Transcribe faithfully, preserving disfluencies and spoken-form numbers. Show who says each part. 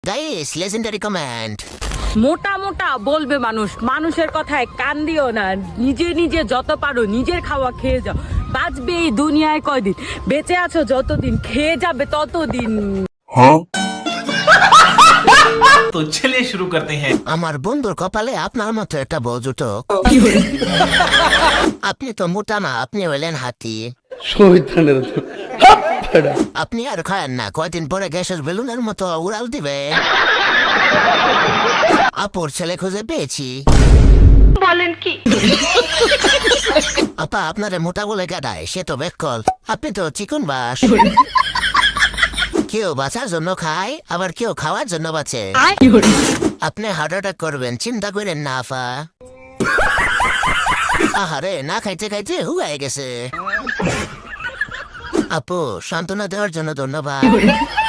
Speaker 1: Guys legendary comment.
Speaker 2: মোটা মোটা বলবে মানুষ, মানুষের কথায় কান দিও না। নিজে নিজে যত পারো নিজের খাওয়া খেয়ে যাও। বাঁচবে এই দুনিয়ায় কয়দিন, বেঁচে আছো যতদিন, খেয়ে যাবে ততদিন।
Speaker 3: तो चलिए शुरू करते हैं।
Speaker 1: আমার বন্ধুর কপালে আপনার মতো একটা বউ জুটো। আপনি তো মোটা না, আপনি হলেন হাতি। আপনি আর খায়েন না, কয়দিন পরে গ্যাসের বেলুনের মতো উড়াল দিবে। আপুর ছেলে খুঁজে পেয়েছি।
Speaker 2: বলেন কি?
Speaker 1: আপা আপনারে মোটা বলে গাদায়, সে তো বেকল। আপনি তো চিকন বাস। কেউ বাঁচার জন্য খায়, আবার কেউ খাওয়ার জন্য বাঁচে। আপনি হার্ট অ্যাটাক করবেন, চিন্তা করেন না আফা। আহারে, না খাইতে খাইতে হুগায় গেছে। আপু সান্ত্বনা দেওয়ার জন্য ধন্যবাদ।